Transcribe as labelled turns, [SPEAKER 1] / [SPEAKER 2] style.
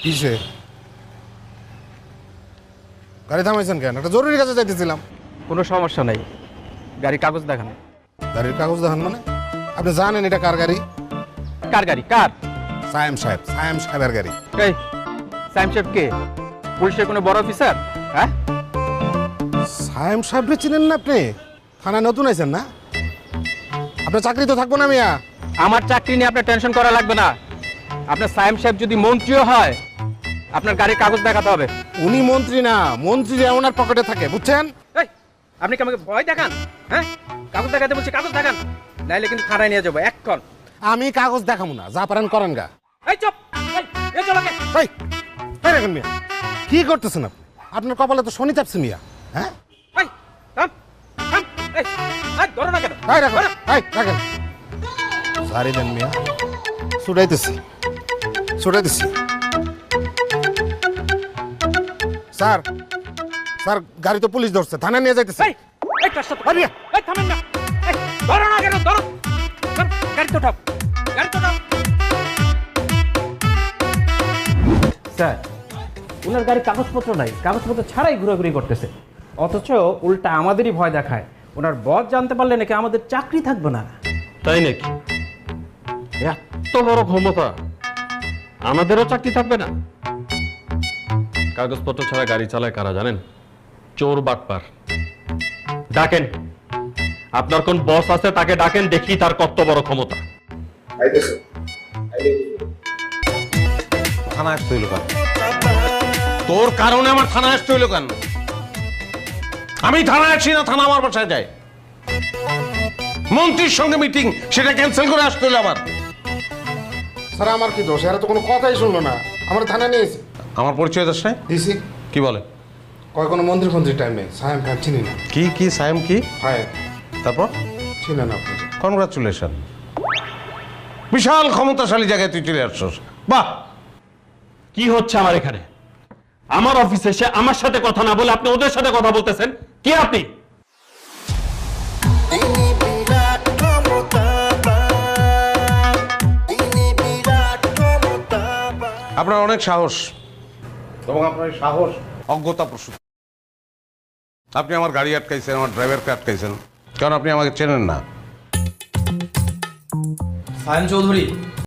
[SPEAKER 1] কিসে? গাড়ি থামাইছেন কেন? একটা জরুরি কাজে যাইতেছিলাম।
[SPEAKER 2] কোনো সমস্যা নাই, গাড়ির কাগজ দেখান।
[SPEAKER 1] গাড়ির কাগজ দেখান মানে? আপনি জানেন এটা কার গাড়ি?
[SPEAKER 2] কার গাড়ি? কার?
[SPEAKER 1] সায়েম সাহেবের গাড়ি।
[SPEAKER 2] এই সাইম সাহেব কে? পুলিশের কোনো বড় অফিসার? হ্যাঁ,
[SPEAKER 1] সায়েম সাহেবরে চিনেন না আপনি? থানায় নতুন আইছেন না? আপনার চাকরি তো থাকবো না মিয়া।
[SPEAKER 2] আমার চাকরি নিয়ে আপনার টেনশন করা লাগবে না। আপনার সাইম সাহেব যদি মন্ত্রীও হয়, আপনার গাড়ির কাগজ দেখাতে হবে।
[SPEAKER 1] উনি মন্ত্রী না, মন্ত্রীরা ওনার পকেটে থাকে, বুঝছেন?
[SPEAKER 2] এই আপনি কি আমাকে ভয় দেখান? হ্যাঁ, কাগজ দেখাতে বলছি, কাগজ দেখান, নাইলে কিন্তু থানায় নিয়ে যাবো এক্ষণ।
[SPEAKER 1] আমি কাগজ দেখাবো না, যা পারেন করেন গা।
[SPEAKER 2] এই চুপ, এই চল আগে।
[SPEAKER 1] এই রাখেন মিয়া, কি করতেছেন আপনি? আপনার কপালে তো শনি চাপছে মিয়া। হ্যাঁ,
[SPEAKER 2] এই থাম, থাম, এই ধরো না কেন?
[SPEAKER 1] রাখেন। সারি দেন মিয়া, ছুটাইতেছি। স্যার, গাড়ি তো পুলিশ ধরছে, থানায় নিয়ে যাইতেছে।
[SPEAKER 2] এই কাজটা তো পারিয়া। এই থামেন না, এই ধরো না কেন? ধরো, গাড়ি তো ঠাপ, স্যার ওনার গাড়ির কাগজপত্র নাই, কাগজপত্র ছাড়াই ঘোরাঘুরি করতেছে, অথচ উল্টা আমাদেরই ভয় দেখায়। ওনার বস জানতে পারলে নাকি আমাদের চাকরি থাকবে না।
[SPEAKER 3] তাই নাকি? এত বড় ক্ষমতা, আমাদেরও চাকরি থাকবে না? কাগজপত্র ছাড়া গাড়ি চালায় কারা জানেন? চোর বাটপার। ডাকেন, আপনার কোন বস আছে তাকে ডাকেন, দেখি তার কত বড় ক্ষমতা।
[SPEAKER 4] থানা আসতে হইল কেন? তোর কারণে আমার থানা আসতে হইল কেন? আমি থানায় আসি না, থানা আমার বাসায় যায়। মন্ত্রীর সঙ্গে মিটিং, সেটা ক্যান্সেল করে আসতে হইল আমার।
[SPEAKER 1] স্যার আমার কি দোষ? এরা তো কোনো কথাই শুনলো না, আমার থানায় নিয়েছে।
[SPEAKER 4] আমার পরিচয় দাস নাই?
[SPEAKER 1] দিছি।
[SPEAKER 4] কি বলে?
[SPEAKER 1] কয় কোনো মন্ত্রী টাইম নেই, সায়েম ভাই চিনি না।
[SPEAKER 4] কি সায়েম কি?
[SPEAKER 1] ভাই
[SPEAKER 4] তারপর
[SPEAKER 1] চিনেন আপনি?
[SPEAKER 4] কনগ্রাচুলেশন, বিশাল ক্ষমতাশালী জায়গায় তুই চলে আসছস। বাহ!
[SPEAKER 3] কি হচ্ছে আমার এখানে? আমার অফিসে এসে আমার সাথে কথা না বলে আপনি ওদের সাথে কথা বলতেছেন। কি আপনি?
[SPEAKER 4] আপনার অনেক সাহস, এবং আপনার সাহস অজ্ঞতা প্রসূত। আপনি আমার গাড়ি আটকাইছেন, আমার ড্রাইভারকে আটকাইছেন, কারণ আপনি আমাকে চেনেন না।
[SPEAKER 5] সায়েম চৌধুরী,